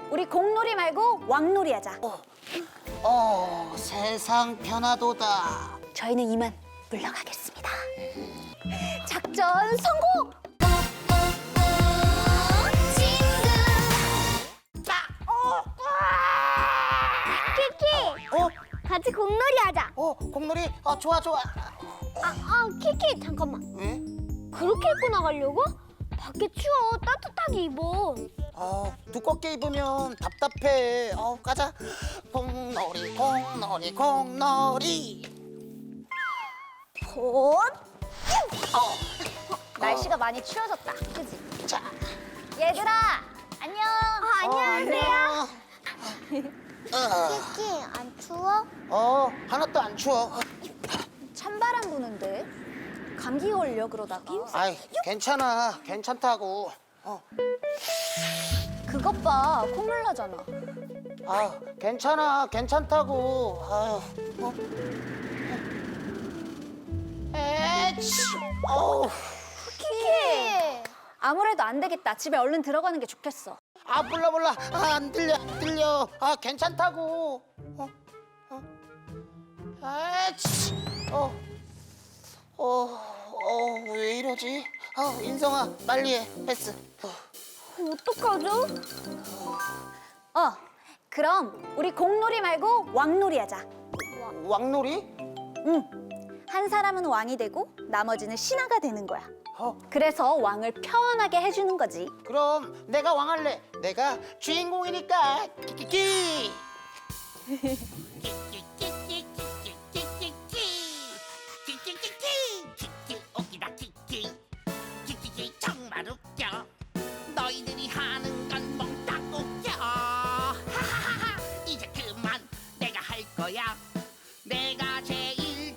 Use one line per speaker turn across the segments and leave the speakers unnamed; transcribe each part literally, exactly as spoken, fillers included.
우리 공놀이 말고 왕놀이 하자.
어, 어, 세상 변화도다.
저희는 이만 물러가겠습니다. 작전 성공!
키키,
어,
같이 공놀이 하자.
어, 공놀이, 어, 좋아, 좋아.
아, 아, 키키, 잠깐만.
왜?
그렇게 입고 나가려고? 밖에 추워. 따뜻하게 입어.
어, 두껍게 입으면 답답해. 어, 가자. 공놀이, 공놀이, 공놀이.
곧!
어,
날씨가 많이 추워졌다. 그지?
자.
얘들아, 안녕.
아, 안녕하세요.
어,
키키, 안 추워?
어, 하나도 안 추워.
찬바람 부는데 감기 걸려 그러다가.
아이, 괜찮아. 괜찮다고. 어,
그것 봐, 콧물 나잖아.
아, 괜찮아. 괜찮다고. 아유, 어. 에치, 어우.
키키! 아무래도 안 되겠다. 집에 얼른 들어가는 게 좋겠어.
아, 몰라, 몰라. 아, 안 들려, 안 들려. 아, 괜찮다고. 어, 어. 아치, 어, 어, 어, 왜 이러지? 아, 인성아, 빨리 해. 패스. 어.
어떡하죠?
어, 그럼 우리 공놀이 말고 왕놀이 하자.
왕놀이?
응. 한 사람은 왕이 되고 나머지는 신하가 되는 거야.
어,
그래서 왕을 편하게 해주는 거지.
그럼 내가 왕할래. 내가 주인공이니까. 키키키.
키키 웃기다 키키 키키키 정말 웃겨 너희들이 하는 건 몽땅 웃겨 하하하하 이제 그만 내가 할 거야 내가 제일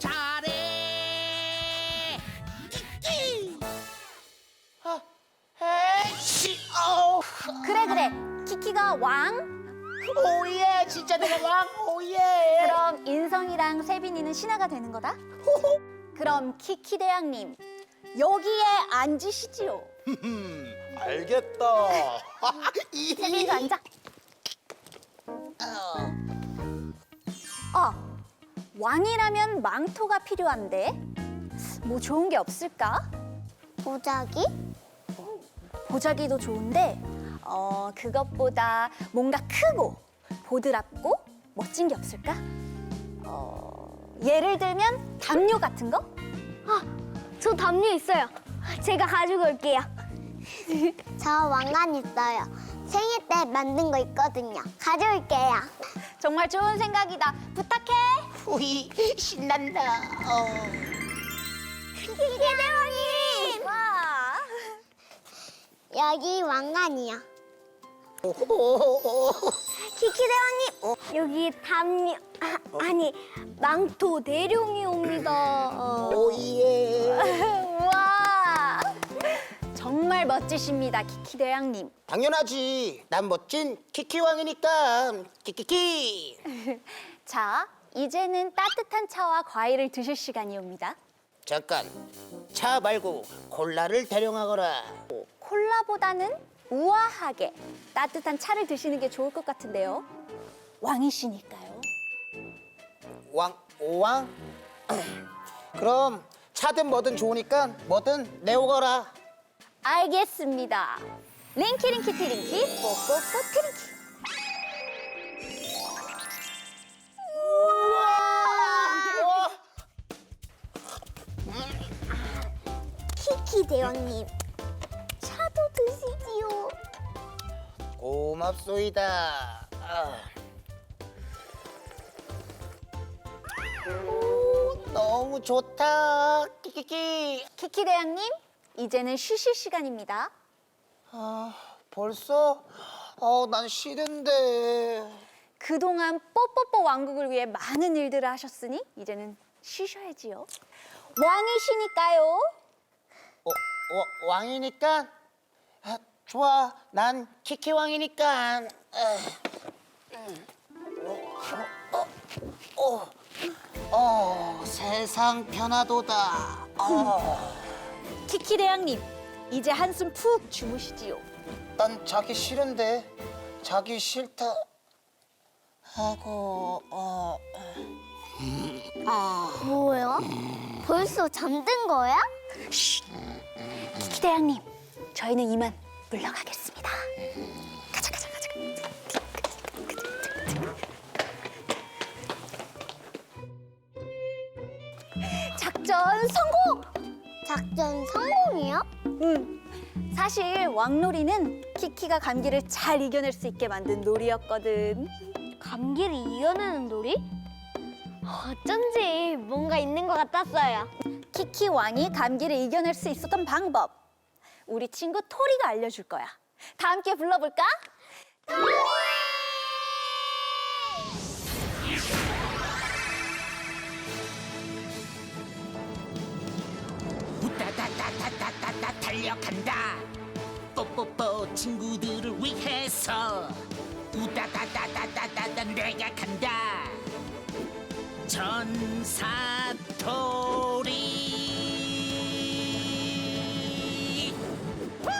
잘해 키키
아, 에이씨, 어우.
그래 그래. 키키가 왕.
오예, 진짜 내가 왕. 오예.
그럼 인성이랑 세빈이는 신하가 되는 거다. 그럼 키키 대왕님 여기에 앉으시지요.
알겠다.
세빈이도 앉아. 어, 왕이라면 망토가 필요한데 뭐 좋은 게 없을까?
보자기?
보자기도 좋은데 어 그것보다 뭔가 크고 보드랍고 멋진 게 없을까? 어 예를 들면 담요 같은 거?
아, 저 담요 있어요. 제가 가지고 올게요. 저 왕관 있어요. 생일 때 만든 거 있거든요. 가져올게요.
정말 좋은 생각이다. 부탁해.
후이, 신난다. 어.
키키 대왕님!
와.
여기 왕관이요.
오,
키키 대왕님! 여기 담요, 아, 아니, 망토 대룡이 옵니다. 어.
오예.
와. 정말 멋지십니다, 키키 대왕님.
당연하지. 난 멋진 키키 왕이니까. 키키키.
자, 이제는 따뜻한 차와 과일을 드실 시간이 옵니다.
잠깐. 차 말고 콜라를 대령하거라.
콜라보다는 우아하게 따뜻한 차를 드시는 게 좋을 것 같은데요. 왕이시니까요.
왕, 오왕? 그럼 차든 뭐든 좋으니까 뭐든 내오거라.
알겠습니다. 링키링키 티링키 뽀뽀뽀 티링키.
우와!
키키 대왕님, 차도 드시지요.
고맙소이다. 아. 오, 너무 좋다. 키키키.
키키 대왕님, 이제는 쉬실 시간입니다.
아, 벌써? 어, 난 싫은데.
그동안 뽀뽀뽀 왕국을 위해 많은 일들을 하셨으니 이제는 쉬셔야지요. 왕이시니까요.
어, 어, 왕이니까? 아, 좋아. 난 키키 왕이니까. 아, 음. 어, 어, 어, 어, 세상 변화도다. 어,
키키 대왕님, 이제 한숨 푹 주무시지요.
난 자기 싫은데. 자기 싫다 하고 어.
뭐야? 벌써 잠든 거야?
키키 대왕님, 저희는 이만 물러가겠습니다. 가자, 가자, 가자. 작전 성공!
작전 성공이요?
응. 사실 왕놀이는 키키가 감기를 잘 이겨낼 수 있게 만든 놀이였거든.
감기를 이겨내는 놀이? 어쩐지 뭔가 있는 것 같았어요.
키키 왕이 감기를 이겨낼 수 있었던 방법. 우리 친구 토리가 알려줄 거야. 다 함께 불러볼까?
우다다다다다다다 달려간다. 뽀뽀뽀 친구들을 위해서. 우다다다다다다다 내가 간다. 전사토리. 후!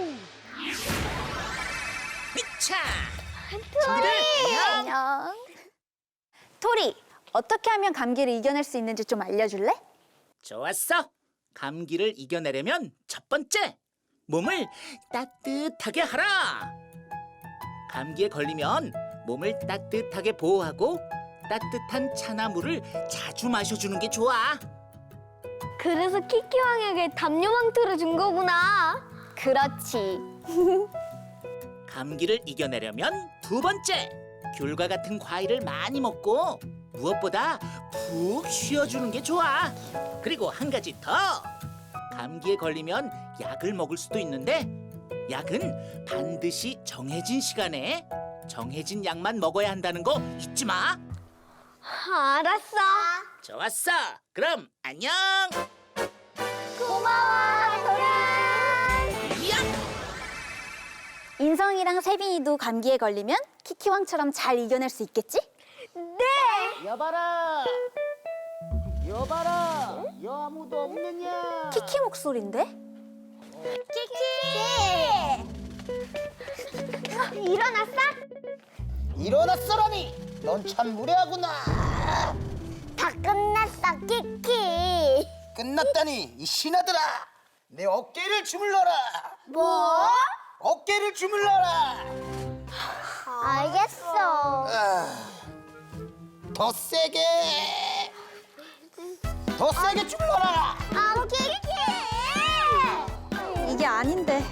미차. 친구들 안녕.
안녕. 토리, 어떻게 하면 감기를 이겨낼 수 있는지 좀 알려줄래?
좋았어. 감기를 이겨내려면 첫 번째, 몸을 따뜻하게 하라. 감기에 걸리면 몸을 따뜻하게 보호하고 따뜻한 차나 물을 자주 마셔주는 게 좋아.
그래서 키키왕에게 담요망토를 준 거구나.
그렇지.
감기를 이겨내려면 두 번째, 귤과 같은 과일을 많이 먹고 무엇보다 푹 쉬어주는 게 좋아. 그리고 한 가지 더. 감기에 걸리면 약을 먹을 수도 있는데 약은 반드시 정해진 시간에 정해진 약만 먹어야 한다는 거 잊지 마.
알았어.
좋았어. 그럼 안녕.
고마워, 도란.
야!
인성이랑 세빈이도 감기에 걸리면 키키왕처럼 잘 이겨낼 수 있겠지?
네.
여봐라 여봐라 여 아무도 없느냐.
키키 목소리인데?
키키. 일어났어?
일어났어라니. 넌 참 무례하구나.
다 끝났어, 키키.
끝났다니 이 신하들아. 내 어깨를 주물러라.
뭐?
어깨를 주물러라.
알겠어.
아, 더 세게 더 세게 주물러라.
아, 키키.
이게 아닌데.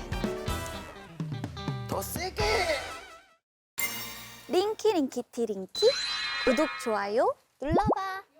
더 세게.
링키 링키티 링키 구독 좋아요 눌러봐.